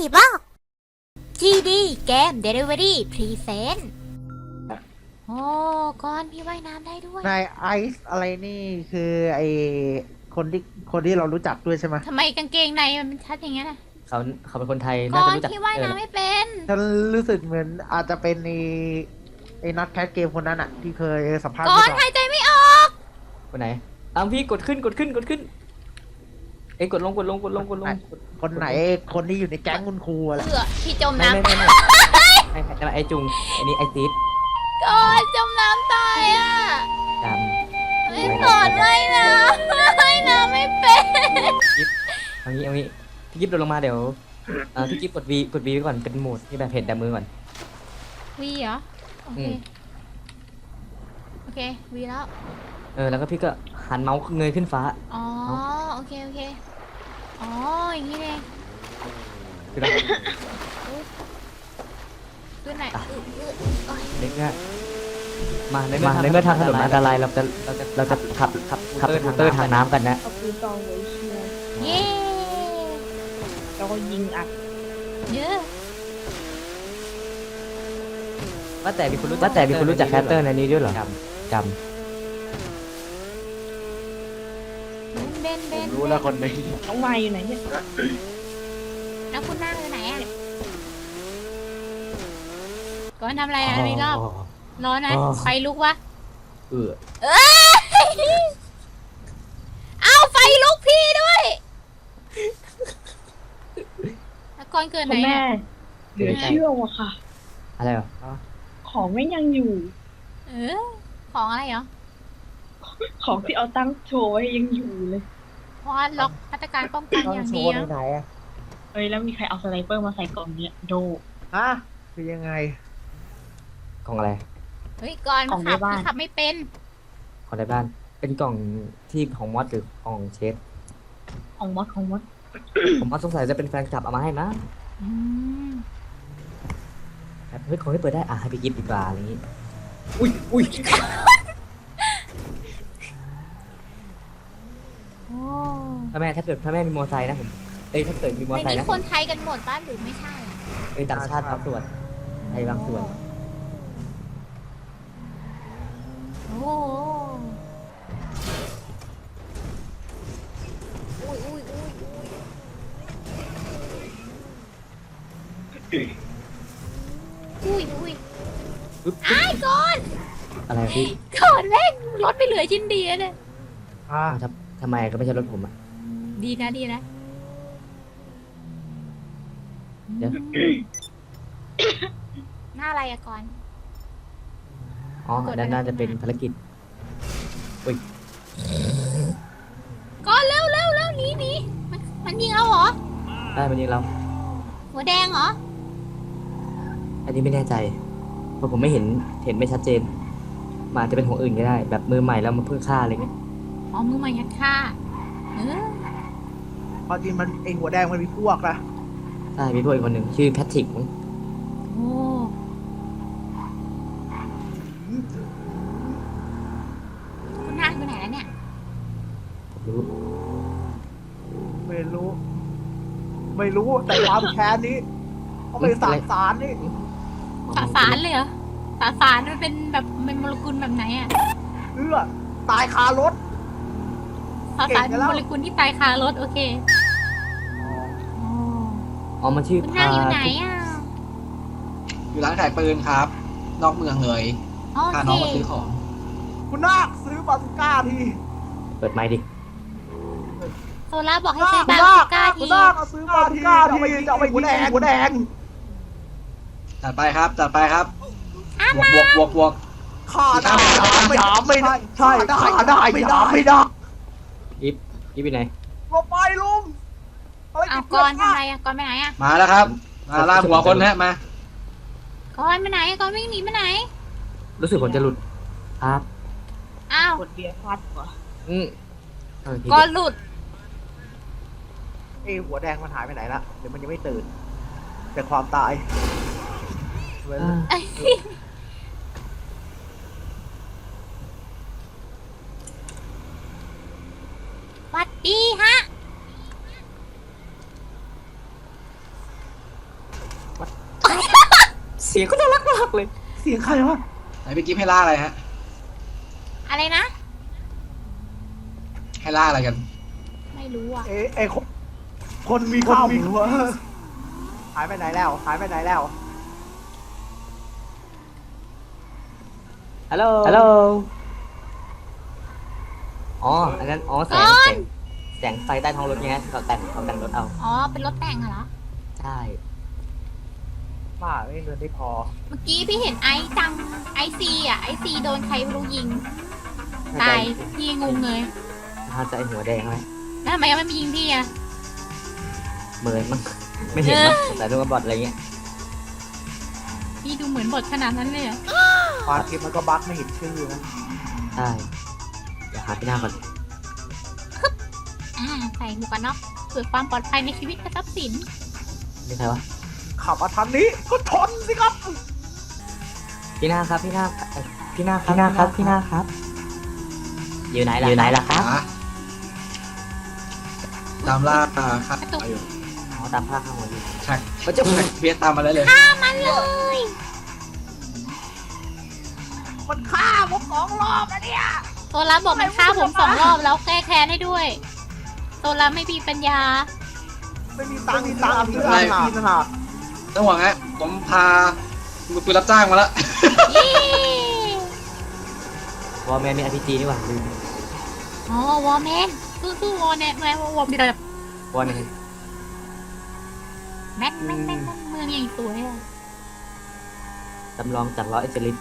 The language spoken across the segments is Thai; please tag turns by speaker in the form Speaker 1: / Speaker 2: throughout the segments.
Speaker 1: บอก GD เกม Delivery Present โอ้ก้อนพี่ว่ายน้ำได้ด้วย
Speaker 2: นายไอซ์อะไรนี่คือไอคนที่เรารู้จักด้วยใช่ไหม
Speaker 1: ทำไมกางเกงในมันชัดอย่างเงี้ยนะ
Speaker 3: เขาเป็นคนไทย
Speaker 1: ก้
Speaker 3: น่า
Speaker 1: อ
Speaker 3: จะ
Speaker 1: น
Speaker 3: รู้จัก
Speaker 1: พี่ว่ายน้ำไม่เป็น
Speaker 2: ฉันรู้สึกเหมือนอาจจะเป็นไอนักแคสเกมคนนั้นอะที่เคยสัมภาษณ์
Speaker 1: ก้อน
Speaker 2: เรา
Speaker 1: หายใจไม่ออก
Speaker 3: คนไหนอ้าวพี่กดขึ้นเอ้ยกดลง
Speaker 2: คนไหนคนที่อยู่ในแก๊งคุณครูอะไร
Speaker 1: พี่จม
Speaker 3: ไม่
Speaker 1: น้ำ
Speaker 3: ไม่ไอจุงไอนี่ไอติ๊ด
Speaker 1: ก้อนจมน้ำตายอ่ะ
Speaker 3: จ
Speaker 1: ไม่ก่อนว่ายน้ำว่ายน้ำไม่เป็น
Speaker 3: ำเอางี้พี่กิฟต์โดนลงมาเดี๋ยวพี่กิฟต์กด V ไว้ก่อนเป็นโหมดที่แบบเห็นแต่มือก่อน
Speaker 1: วีเหรอ โอเค
Speaker 3: อืม
Speaker 1: โอเควีแล้ว
Speaker 3: แล้วก็พี่ก็หันเมาส์เงยขึ้นฟ้า
Speaker 1: อ๋อ โอเค อ๋อ อย่างนี้เอง
Speaker 3: คือเรา
Speaker 1: ขึ้นไหนโอ้ย
Speaker 3: เด็กเนี่ยมาในเมื่อทางถนนอันตรายเราจะขับสกูตเตอร์ทางน้ำกันนะ
Speaker 4: เอาปืนกองไว้เชียร์
Speaker 1: เย้
Speaker 4: แล้วก็ยิงอัด
Speaker 1: เยอะ
Speaker 3: ว่าแต่มีคนรู้จักแคสเตอร์ในนี้ด้วยเหรอจำ
Speaker 1: เบน
Speaker 2: รู้แล้วคนนี้
Speaker 4: น้องวายอยู่ไหนเนี่ย
Speaker 1: แล้วคุณนั่งอยู่ไหนอ่ะก่อนทำอะไรอ่ะมีรอบร้อนนะ ไฟลุกวะ
Speaker 3: เออ
Speaker 1: เอาไฟลุกพี่ด้วยแล้วก่อนเกิดไหน
Speaker 4: คุณแม่
Speaker 1: อ่ะ
Speaker 4: เหลือเชื่อว่ะค่ะ
Speaker 3: อะไรเหรอ
Speaker 4: ของไม่ยังอยู่
Speaker 1: ของอะไรเหรอ
Speaker 4: ของที่เอาตั้งโชว์ไว้ยังอยู่เลย
Speaker 1: เพราะว่าล็อกมาตรการป้องกัน
Speaker 2: ต้อง
Speaker 1: อย่าง
Speaker 2: โช
Speaker 1: ดี
Speaker 2: ว์
Speaker 1: นะ
Speaker 2: ไหนอะ
Speaker 4: เอ้ยแล้วมีใครเอาสไนเปอร์มาใส่กล่องเนี่ยโด
Speaker 2: ฮะคือยังไง
Speaker 3: ของอะไร
Speaker 1: เฮ้ยก่อน
Speaker 4: ของในบ้าน
Speaker 1: ขับไม่เป็น
Speaker 3: ของในบ้าน เป็นกล่องที่ของมอสหรือของเชฟ
Speaker 4: ของมด
Speaker 3: ผมว่าสงสัยจะเป็นแฟนคลับเอามาให้นะ
Speaker 1: อืม
Speaker 3: แบบเฮ้ยของที่เปิดได้ให้พี่กิฟต์ดีกว่าอะไรอย่างงี้ อุ้ย
Speaker 1: โอ้
Speaker 3: ถ้าแม่มีมอเตอร์ไซค์นะผมถ้าเกิดมีมอเตอร์ไซ
Speaker 1: ในนี้
Speaker 3: ค์นะ
Speaker 1: คนไทยกันหมดป้ะหรือไม่ใช่อะ
Speaker 3: ต่างชาติบางส่วนไทยบางส่วน
Speaker 1: โอ้อุ้ย
Speaker 3: ปึ๊บ
Speaker 1: ไอ้ก่อน
Speaker 3: อะไรพี่
Speaker 1: ก่อนแม่งรถไม่เหลือชิ้นดีแล้วเนี่ย
Speaker 2: อ่า
Speaker 3: ทำไมก็ไม่ใช่รถผมอ่ะ
Speaker 1: ดีนะ
Speaker 3: เดี๋ยว
Speaker 1: หน้าอะไรอะก่อน
Speaker 3: ด้านหน้าจะเป็นภารกิจ
Speaker 1: ก่อนเร็วหนีมันยิงเราเหรอ
Speaker 3: ได้มันยิงเรา
Speaker 1: หัวแดงเหรอ
Speaker 3: อันนี้ไม่แน่ใจเพราะผมไม่เห็นไม่ชัดเจนมันอาจจะเป็นของอื่นก็ได้ แบบมือใหม่แล้วมันเพิ่งฆ่าอะไรเงี้ย
Speaker 1: อ๋อมือใหม่ยัดฆ่าเออ
Speaker 2: พอจริงมันไอหัวแดงมันมีพวกนะ
Speaker 3: ใช่มีพวกอีกคนหนึ่งชื่อแพทริกมั้ง
Speaker 1: โอ้คุณนางอยู่ไหนแล้วเนี่ย
Speaker 3: รู้
Speaker 2: ไม่รู้แต่ความแค้นนี้เขาไปสารนี่
Speaker 1: สาสารเลยเหรอสาสารมันเป็นแบบเป็นโมเลกุลแบบไหนอะ
Speaker 2: ตายคารถ
Speaker 1: สาสาร
Speaker 2: เก่
Speaker 1: เป็
Speaker 2: ง
Speaker 1: น
Speaker 2: แล้ว
Speaker 1: โมเลกุลที่ตายคารถโอเคโอ้
Speaker 3: อ๋อมันชื่อ
Speaker 1: คุณนางอยู่ไหนอะ
Speaker 5: อยู่ร้านขายปืนครับ นอกเมืองเลย
Speaker 1: โอ
Speaker 5: พา
Speaker 1: เค
Speaker 5: น้องมาซื้อของ
Speaker 2: คุณนาคซื้อบาซูก้าที
Speaker 3: เปิดไมค์ดิ
Speaker 1: โซล่าบอกให้
Speaker 2: คุณ
Speaker 1: ซื้อ
Speaker 2: นา
Speaker 1: บา
Speaker 2: ค
Speaker 1: ซูก้า
Speaker 2: คุ
Speaker 1: ที
Speaker 2: ณนาคเอาซื้อบาซูก้าทีจะเอาไปหัวแดง
Speaker 5: จัดไปครับ จัดไปครับบวก
Speaker 2: ฆ่าได้ไม่ได้ใช่ได้ไม่ได้
Speaker 3: ยิบไปไหน
Speaker 2: ลงไปลุง
Speaker 1: เอาก่อนทำไมอะก่อนไปไหนอะ
Speaker 5: มาแล้วครับ มาล่าหัวคนฮะมา
Speaker 1: ก่อนไปไหนก่อนวิ่งหนีไปไหน
Speaker 3: รู้สึกผมจะหลุดครับ
Speaker 1: อ้าว
Speaker 4: กดเบียร์ฟาดหัว
Speaker 1: ก่อนหลุด
Speaker 2: ไอหัวแดงมันหายไปไหนละเดี๋ยวมันยังไม่ตื่น แต่ความตาย
Speaker 1: สวัสดีฮะ
Speaker 3: เสียงก็น่ารักมากเลย
Speaker 2: เสียงใครวะ
Speaker 5: ไหนพี่กิฟให้ล่าอะไรฮะ
Speaker 1: อะไรนะ
Speaker 5: ให้ล่าอะไรกัน
Speaker 1: ไม่รู้อ่ะ
Speaker 2: เอ้คนมีข้าวหมูหายไปไหนแล้วหายไปไหนแล้ว
Speaker 3: ฮัลโหล ฮัลโหล อ๋อ อันนั้น อ๋อ แสงไฟใต้ท้องรถไงเขาแต่งรถเอา
Speaker 1: อ๋อ เป็นรถแต่งเหรอ
Speaker 3: ใช่
Speaker 2: บ้าไม่เงินได้พอ
Speaker 1: เมื่อกี้พี่เห็นไอซ์จัง ไอซีอ่ะ ไอซีโดนใครไม่รู้ยิง ตาย พี่งงเลย
Speaker 3: น่าจะไอหัวแดงไหม
Speaker 1: แล้วทำไมยังไม่มายิงพี่อ่ะ
Speaker 3: เหมือนมั้ง ไม่เห็นมั้งแต่ดูว่าบอทอะไรเงี้ย
Speaker 1: พี่ดูเหมือนบทขนาดนั้นเลยเหรอ
Speaker 2: ความคิดมันก็บั๊กไม่เห็นชื่อนะ
Speaker 3: ใช่ เดี๋ยวหาพี่หน้าก่อน
Speaker 1: ใส่หมวกกันน็อกเพื่อความปลอดภัยในชีวิตและทรัพย์สิน
Speaker 3: นี่ใครวะ
Speaker 2: ขับมาทางนี้ก็ชนสิครับ
Speaker 3: พี่หน้าครับ พี่หน้าครับ อยู่ไหนล่ะครับ
Speaker 5: ตามล่าครับอยู่
Speaker 3: อ๋อ ตามภาพข้างบน
Speaker 5: ใช่เขาจะเพียตามมาแล้วเลย
Speaker 1: มันเลย
Speaker 2: มันฆ่าผม2 รอบแล้วเนี่ย
Speaker 1: โซล่าบอกมันฆ่าผม2 รอบแล้วแก้แค้นให้ด้วย โซล่าไม่มีปัญญา
Speaker 2: ไม่มีตังค์ซื้ออาหารกินนะ
Speaker 5: ต้องห่วงฮะผมพามือปืนรับจ้างมาแล้ว
Speaker 1: เย้
Speaker 3: วอลแมนมี RPG นี่หว่าลืม
Speaker 1: อ๋อวอร์แมนสู้ๆวอร์แมนวอร์แมนแบบ
Speaker 3: วอลแมน
Speaker 1: แม่นเมืองอย่างสวยอ่ะ
Speaker 3: จำลองจัดล้อเอเจลิส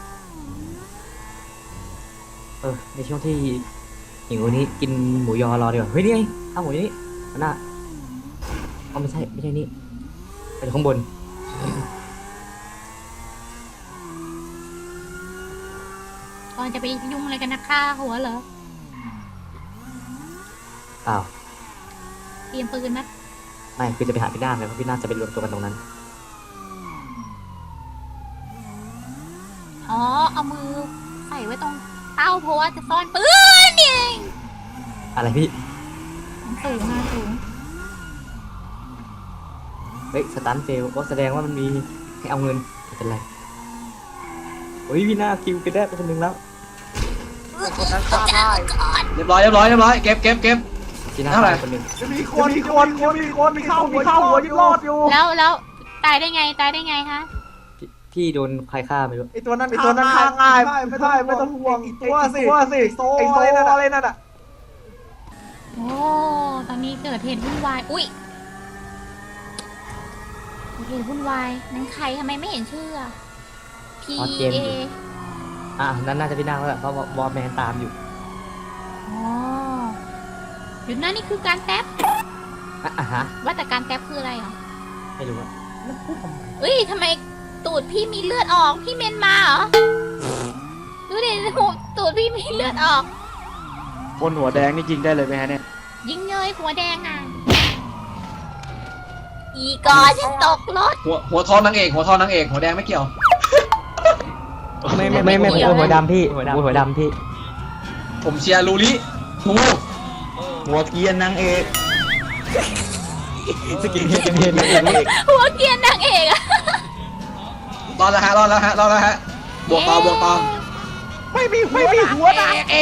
Speaker 3: ในช่วงที่หิวนี้กินหมูยอรอดีกว่า เฮ้ย นี่ไงข้าวหมูนี่อันน่ะอ๋อไม่ใช่นี่เป็นข้างบน
Speaker 1: ก่อนจะไปยุ่งอะไรกันนะฆ่าหัวเหรอ
Speaker 3: เปล่า
Speaker 1: เตรียมปืนนะ
Speaker 3: ไม่คือจะไปหาพี่นาคเลยเพราะพี่นาคจะไปรวมตัวกันตรงนั้น
Speaker 1: อ๋อเอามือใส่ไว้ตรงเต้าเพราะว่าจะซ่อนปืนนี่เอง
Speaker 3: อะไรพี่
Speaker 1: สูงอะสูง
Speaker 3: เฮ้ยสตันเฟลก็แสดงว่ามันมีให้เอาเงินไม่เป็นไรเฮ้ยพี่นาคคิวไปได้เป็นคนหนึ่งแล้ว
Speaker 2: คนนั้นฆ่าได้
Speaker 5: เรียบร้อยเก็บ
Speaker 3: พี่นาค
Speaker 5: เท่าไหร่
Speaker 3: เป็นคนหนึ่ง
Speaker 2: มีคนมีข้าวหัวยังรอดอยู่
Speaker 1: แล้วตายได้ไงคะ
Speaker 3: พี่โดนใครฆ่าไม่รู้
Speaker 2: ไอตัวนั้นฆ่าง่ายไม่ต้องห่วงตัวสิโซอะไรนั่นอ่ะ
Speaker 1: โอ้ตอนนี้เกิดเหตุวุ่นวายอุ้ยเหตุวุ่นวายนั่นใครทำไมไม่เห็นชื่ออะ P
Speaker 3: อ๋อเจมส์
Speaker 1: A
Speaker 3: อยู่ นั่นน่าจะพี่นาคแล้วแหละเพราะวอลแมนตามอยู่
Speaker 1: อ๋อหยุดนะนี่คือการแท็บ
Speaker 3: ฮะ
Speaker 1: ว่าแต่การแท็บคืออะไรเหรอ
Speaker 3: ไม่รู้อะ
Speaker 1: เอ้ยทำไมตูดพี่มีเลือดออก พี่เมนมาเหรอ ดูดิตูดพี่มีเลือดออก
Speaker 6: คนหัวแดงนี่ยิงได้เลยไหมฮะเนี่ย
Speaker 1: ยิงเลยหัวแดงอ่ะ อีกอฉันตกรถ
Speaker 5: หัวทอนนางเอกหัวแดงไม่เกี่ยว
Speaker 3: ไม่หัวดำพี่หัวดำพี่
Speaker 5: ผมเชียร์ลูริทู
Speaker 6: หัวเกรียนนางเอก
Speaker 3: สกินเฮดนางเอก
Speaker 1: หัวเกรียนนางเอกอะ
Speaker 5: รอดแล้วฮะบวกต่อ
Speaker 2: ไม่มีหัวนะเอก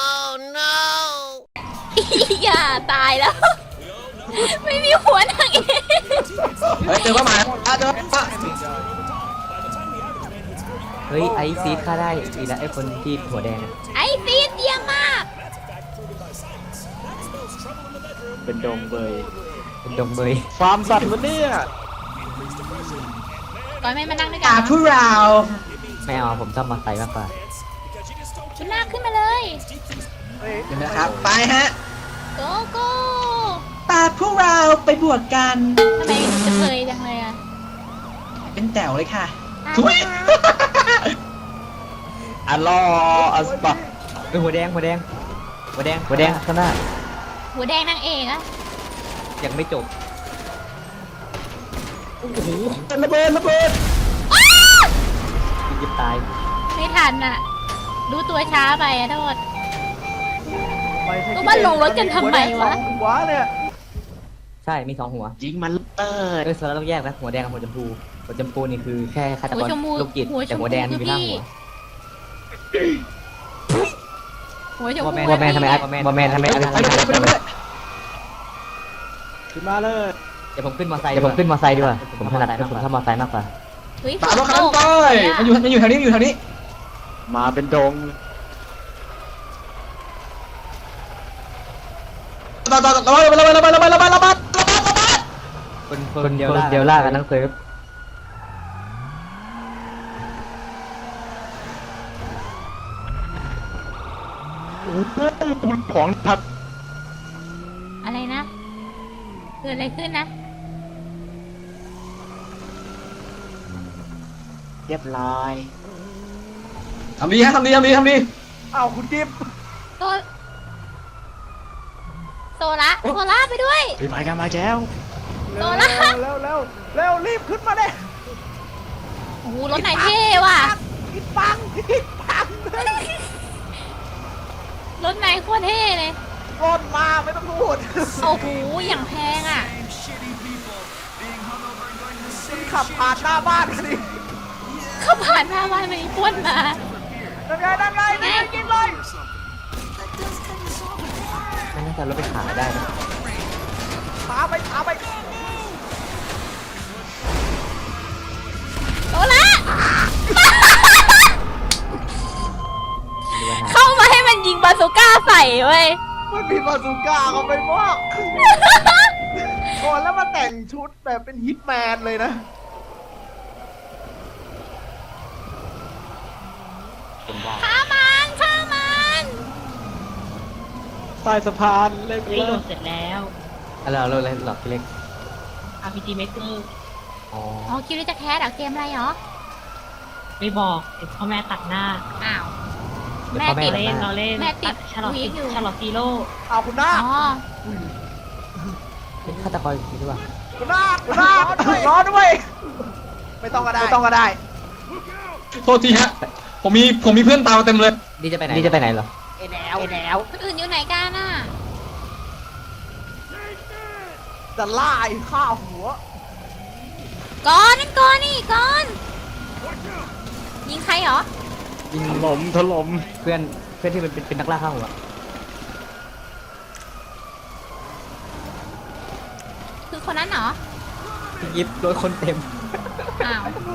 Speaker 1: อย่าตายแล้ว ไม่มีหัวนางเอก
Speaker 5: เฮ้ยเจอว่าหมาเจอว่า
Speaker 3: เฮ้ยไอซีดฆ่าได้อีกแล้วไอคนที่หัวแดงอะ
Speaker 1: ไอ้ซีดเยี่ยมมาก
Speaker 6: เป็นดงเบย
Speaker 3: เป็นดงเบย
Speaker 6: ฟาร์มสัตว์มันเนี่ย
Speaker 1: ก่อนไม่มานั่งด้วยกันเหรอ
Speaker 5: ผู้เรา
Speaker 3: ไม่เอาผมชอบมาไซค์มากกว่า
Speaker 1: ขึ้นหน้าขึ้นมาเลย
Speaker 5: เดี๋ยวนะครับไปฮะ
Speaker 1: โกโก้
Speaker 5: ตาพวกเราไปบวชกัน
Speaker 1: ทำไมจะเคยจังเลยอะ
Speaker 5: เป็นแต๋วเลยค่ะ
Speaker 1: ตาย
Speaker 5: ทุย
Speaker 1: แล้ว
Speaker 6: อัลลอฮ์อัสบัก
Speaker 3: เป็นหัวแดงข้างหน้า
Speaker 1: หัวแดงนางเอกอะ
Speaker 3: ยังไม่จบ
Speaker 6: ระเบิด
Speaker 3: ยิบตาย
Speaker 1: ไม่ทันอะดูตัวช้าไปอะโทษ ก็มาลงรถกันทำไมวะ
Speaker 2: หัวเนี่ย
Speaker 3: ใช่มี2 หัว
Speaker 6: ยิงมันเปิด
Speaker 3: โซล่าต้องแยกนะหัวแดงกับหัวชมพูหัวชมพูนี่คือแค่ฆาตก
Speaker 1: หัว
Speaker 3: ร
Speaker 1: ชมพู
Speaker 3: โรคจิต
Speaker 1: หัวช
Speaker 3: แต่
Speaker 1: มพู
Speaker 3: หัวแดงนี่
Speaker 1: คือ
Speaker 3: มีหน้า
Speaker 1: พี่
Speaker 3: หัว
Speaker 1: หัวชมพู
Speaker 3: ว่าแมนทำไมว่าแมนทำไมอะไร
Speaker 6: ขึ้นมาเลย
Speaker 3: เดี๋ยวผมขึ้นมอไซค์ดีกว่าผมถนัดผมชอบมอไซค์มากกว่า
Speaker 1: เฮ้ย
Speaker 5: ตามรถคัน
Speaker 1: ฝ
Speaker 5: นั้น
Speaker 1: ต
Speaker 5: ไป
Speaker 1: ก
Speaker 5: มันอยู่แถวนี้มันอยู่แถวนี้
Speaker 6: มาเป็นดง
Speaker 5: ต่อระเบิด
Speaker 3: คนเดียวล่ากันทั้งเซิร์ฟ
Speaker 6: ของทัด
Speaker 1: อะไรนะเกิดอะไรขึ้นนะ
Speaker 6: เรียบร้อย
Speaker 5: ทำดีฮะทำดี
Speaker 2: อ้าวคุณกิฟต์
Speaker 1: โซโซล่าไปด้วย
Speaker 6: ไปกันมาแก้ว
Speaker 1: โซล่า
Speaker 2: เร็วรีบขึ้นมาเลย
Speaker 1: โอ้โหรถไหนเท่ว่ะ
Speaker 2: กินปัง
Speaker 1: รถไหนโคตรเท่เลย
Speaker 2: รถมาไม่ต้องพูด
Speaker 1: โอ้โหอย่างแพงอ่ะ
Speaker 2: คุณขับผ่านหน้าบ้านสิ
Speaker 1: เขาผ่านหน้าบ้านมันป้วนมา
Speaker 2: นั่นไงนี่กินเลย
Speaker 3: ไม่น่าจะรถไปขายได้นะ
Speaker 2: ช้าไป
Speaker 1: โซล่า เข้ามาให้มันยิงบาซูก้าใส่เว้ย
Speaker 2: มันมีบาซูก้าเขาไปมากก่อนแล้วมาแต่งชุดแบบเป็นฮิตแมนเลยนะ
Speaker 1: ฆ่ามัน
Speaker 6: ใต้สะพานเล่น
Speaker 4: รีโหลดเสร็จแล้ว
Speaker 3: เราเลยหลอกพี่เล็ก
Speaker 4: RPG Maker
Speaker 3: อ๋อ
Speaker 1: อ๋อคิดว่าจะแคสเหรอเกมอะไรเหรอ
Speaker 4: ไม่บอกเดี๋ยวพ่อแม่ตัดหน้า
Speaker 1: อ้าว
Speaker 3: เดี๋ยว
Speaker 1: แม่
Speaker 3: พ่อแม่
Speaker 1: ติด
Speaker 3: ตัดห
Speaker 4: เล่น
Speaker 3: น้า
Speaker 4: เราเล่น
Speaker 1: แม่ติด
Speaker 4: ชาร์ลอต
Speaker 1: วีคอยู่
Speaker 4: ชาร์ลอตซีโร่
Speaker 2: เอาคุณหน้า
Speaker 1: อ๋อ
Speaker 3: ฆาตกรคิดว่า
Speaker 2: คุณหน้ารอด้วย ไม่ต้องก็ได้
Speaker 5: โทษทีฮะผมมีเพื่อนตามมาเต็มเลย
Speaker 3: นี่จะไปไหนเหรอ
Speaker 2: ไอ้แล้ว
Speaker 1: คนอื่นอยู่ไหนกันน่ะ
Speaker 2: จะล่าไอ้ข้าหัว
Speaker 1: ก่อนนั่นก่อนนี่ก่อน ยิงใครเหรอ
Speaker 3: ยิง
Speaker 6: ถล่ม
Speaker 3: เพื่อนที่เป็นนักล่าข้าวหัว
Speaker 1: คือคนนั้นเหรอ
Speaker 3: พี่ยิบรถคนเต็ม
Speaker 1: อ้าว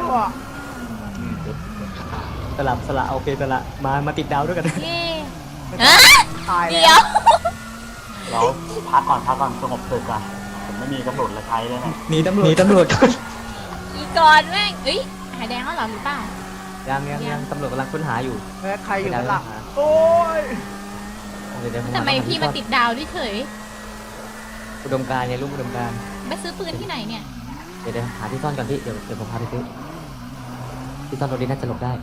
Speaker 3: สละโอเคสละมาติดดาวด้วยกัน
Speaker 1: เย่ฮะ
Speaker 2: ตาย
Speaker 1: เดี๋
Speaker 2: แล้
Speaker 1: ยว ว
Speaker 6: เราพักก่อนสงบศึกก่อนผมไม่มีกำหนดและใช้เลยนะ
Speaker 3: หนีตำรวจ
Speaker 1: อีก่อนแม่งเอ้ยหายแดงแล้วเหรอหรือเปล่า
Speaker 3: ยังตำรวจกำลังค้นหาอยู่
Speaker 2: แม่ใครอยู่ข้างหลังโอ้ย
Speaker 3: เดี๋ยว
Speaker 1: ทำไมพี่มาติดดาวด้วยเฉย
Speaker 3: อุดมการณ์เนี่ยรูปอุดมการณ์
Speaker 1: ไปซื้อปืนที่ไหนเนี่ย
Speaker 3: เดี๋ยวหาที่ซ่อนก่อนพี่เดี๋ยวผมพาไปซื้อที่ซ่อนรถนี้น่าจะหลบได้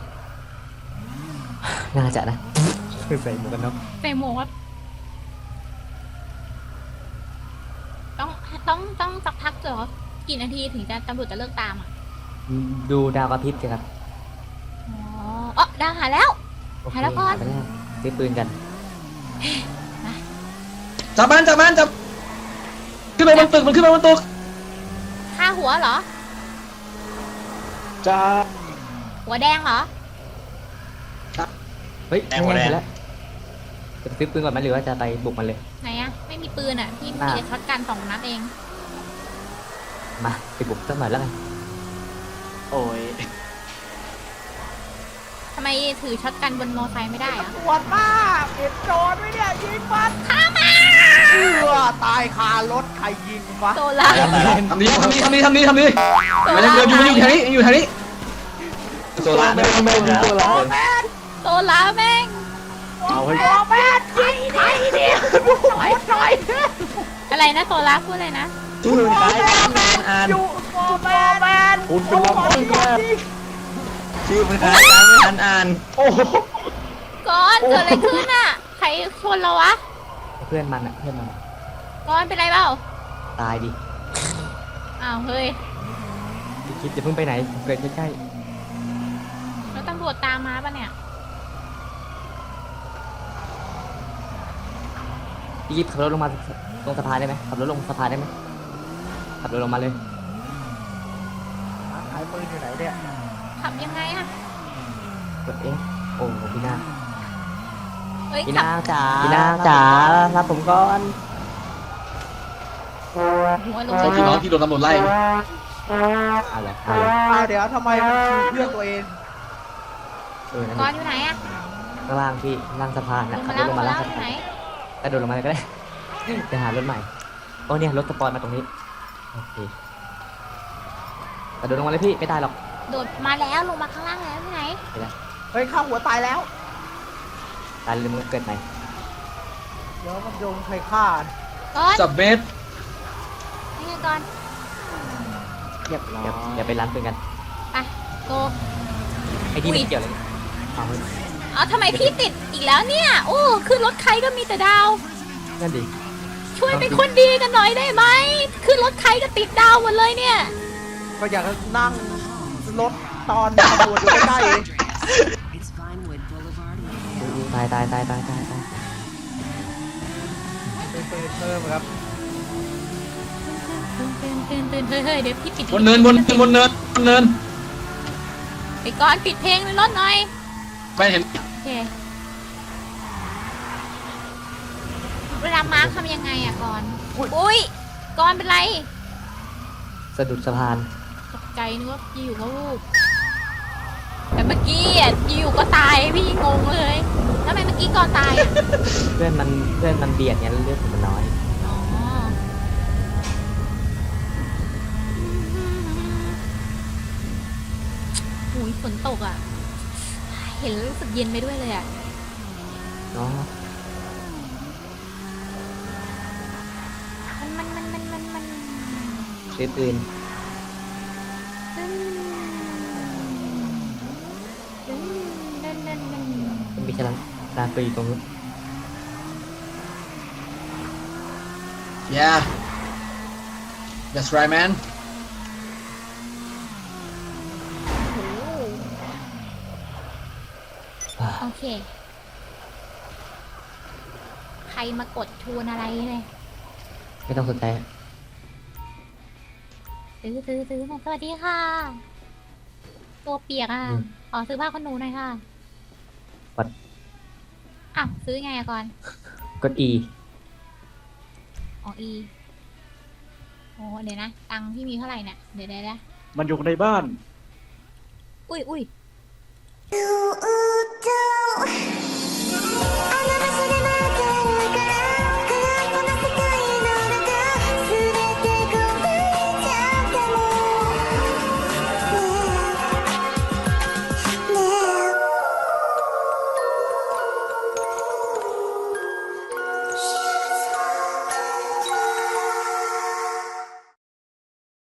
Speaker 3: น่าจะนะใส่หมวกกันน็อก
Speaker 1: ใส่หมวกต้องสักพักเหรอกี่นาทีถึงจะตำรวจจะเลิกตามอ่ะ
Speaker 3: ดูดาวกระพริบสิครับ
Speaker 1: อ๋อดาวหาแล้ว
Speaker 3: โอเค
Speaker 1: หาแล้วก่อน
Speaker 3: หาไปแล้วซื้อปืนกัน
Speaker 5: จับมันขึ้นไปบนตึกมันขึ้นไปบนตึก
Speaker 1: ฆ่าหัวเหรอ
Speaker 6: จ้า
Speaker 1: หัวแดงเหรอ
Speaker 3: เฮ้ยไม่ได้แล้วจะไปซื้อปืนก่อนไหมหรือว่าจะไปบุกมันเลย
Speaker 1: ไหนอะไม่มีปืนอะพี่มี
Speaker 3: อ่ะ
Speaker 1: แต่ช็อตกัน2 นัดเอง
Speaker 3: มาไปบุกสักหน่อยแล้วกัน
Speaker 6: โอ้ย
Speaker 1: ทำไมถือช็อตกันบนมอไซค์ไม่ได้อะ
Speaker 2: ปวดมากเห็นโจรไหมเนี่ยยิงมันฆ่ามันตายคารถใครยิงวะ
Speaker 1: โซล่า
Speaker 5: ทำดีมันยังเดินอยู่แถวนี้โซล่า
Speaker 6: ไม่ตัวละ
Speaker 1: โซล่าแม่ง
Speaker 6: เอาให้
Speaker 2: แม่ยิงใครเนี่ยหน่อย
Speaker 1: อะไรนะโซล่าพูดอะไรนะ
Speaker 6: ชื่อใครอ่าน
Speaker 2: อยู่โฟแมน
Speaker 6: คุณเป็นลำพังแค่ชื่อเป็นใครไม่อ่านโอ้โห
Speaker 1: ก้อนเกิดอะไรขึ้นอะใครชนเราวะ
Speaker 3: เพื่อนมัน
Speaker 1: ก้อนเป็นไรเปล่า
Speaker 3: ตายดิ
Speaker 1: อ้าวเฮ้ย
Speaker 3: พี่คิดจะเพิ่งไปไหนเกิดใกล้
Speaker 1: แล้วตำรวจตามมาปะเนี่ย
Speaker 3: ๆพี่ยิบขับรถลงมาตรงสะพานได้ไหมขับรถลงสะพานได้ไหมขับรถลงมาเลย
Speaker 2: อยู่ไหนเนี่ย
Speaker 1: ขับยังไงอะ
Speaker 3: กดเอ๊ะโอ้พี่นา
Speaker 1: เฮ้ย
Speaker 3: พี่
Speaker 1: ขับ
Speaker 3: นาจ๋าพี่นาจ๋ารับผมก่อน
Speaker 1: หัวลง
Speaker 5: ใช่พี่น้องที่โดนตำรวจไล่
Speaker 3: อะไร
Speaker 2: เดี๋ยวทำไมมันคือเพื่อนตัวเอง
Speaker 3: นั่น
Speaker 1: ก่อน
Speaker 3: ดิ
Speaker 1: อยู่ไหนอะ
Speaker 3: ข้างล่างพี่ล่างสะพาน
Speaker 1: ล
Speaker 3: นะ
Speaker 1: ง
Speaker 3: ขั
Speaker 1: มา
Speaker 3: บร
Speaker 1: แล้ว
Speaker 3: ถ
Speaker 1: ล
Speaker 3: ล
Speaker 1: ง
Speaker 3: ง
Speaker 1: มา
Speaker 3: มา
Speaker 1: แล้
Speaker 3: แล้ว ว
Speaker 1: อยู่ไหน
Speaker 3: กระโดดลงมาเลยก็ได้จะหารถใหม่โอ้เนี่ยรถสปอยมาตรงนี้โอเคกระโดดลงมาเลยพี่ไม่ได้หรอก
Speaker 1: โดดมาแล้วลงมาข้างล่างแล้วที่ไหน
Speaker 2: เฮ้ยข้าหัวตายแล้ว
Speaker 3: ตายเลยมึงเกิดใหม่
Speaker 2: เดี๋ยวมันโยงใครฆ่า
Speaker 1: ก่อน
Speaker 5: สับเมตร
Speaker 1: นี่ไงก่อน
Speaker 3: อย่าไปร้านปืนกัน
Speaker 1: ไปโก
Speaker 3: ไอ้ที่ไม่เกี่ยวเลยเอาเฮ้ย
Speaker 1: เอาทำไมพี่ติดอีกแล้วเนี่ย โอ้ขึ้นรถใครก็มีแต่ดาว
Speaker 3: นั่นดิ
Speaker 1: ช่วยเป็นคนดีกันหน่อยได้ไหมขึ้นรถใครก็ติดดาวหมดเลยเนี่ย
Speaker 2: ก็อยากนั่งรถตอนตำรวจอยู่ใกล้ๆเอง
Speaker 3: ตาย
Speaker 2: เป็นปืนเพิ่มครับ
Speaker 1: ตื่นเฮ้ยเดี๋ยวพี่ปิด
Speaker 5: บนเนิน
Speaker 1: ไปก่อนปิดเพลงในรถหน่อย
Speaker 5: ไม่เห็น
Speaker 1: โอเคเวลามาร์คทำยังไงอะก่อนอุ้ยก่อนเป็นไร
Speaker 3: สะดุดสะพาน
Speaker 1: ตกใจนึกว่าอยู่ก็วูบแต่เมื่อกี้อ่ะอยู่ก็ตายพี่งงเลยทำไมเมื่อกี้ก่อนตายอ่ะ
Speaker 3: เพื่อนมันเบียดเนี่ยแล้วเลือดผมมันน้อย
Speaker 1: อ๋อหูยฝนตกอ่ะ เห็นแล้วรู้สึกเย็นไปด้วยเลยอ่ะ
Speaker 3: เนาะ
Speaker 1: มัน
Speaker 3: ซื้อปืน มันมีฉลามดานปืนอยู่ตรงนู้น
Speaker 5: yeah that's right man
Speaker 1: โอเค ใครมากดชวนอะไรเลย
Speaker 3: ไม่ต้องสนใจ
Speaker 1: ซื้อสวัสดีค่ะ ตัวเปียกอ่ะ ขอซื้อผ้าขนหนูหน่อยค่ะ
Speaker 3: ปัด
Speaker 1: อ้าวซื้อไงอะก่อน
Speaker 3: กด E
Speaker 1: อ๋อ E โอ้เดี๋ยวนะ ตังค์ที่มีเท่าไหร่เนี่ย เดี๋ยวนะ
Speaker 6: มันอยู่ในบ้าน
Speaker 1: อุ้ย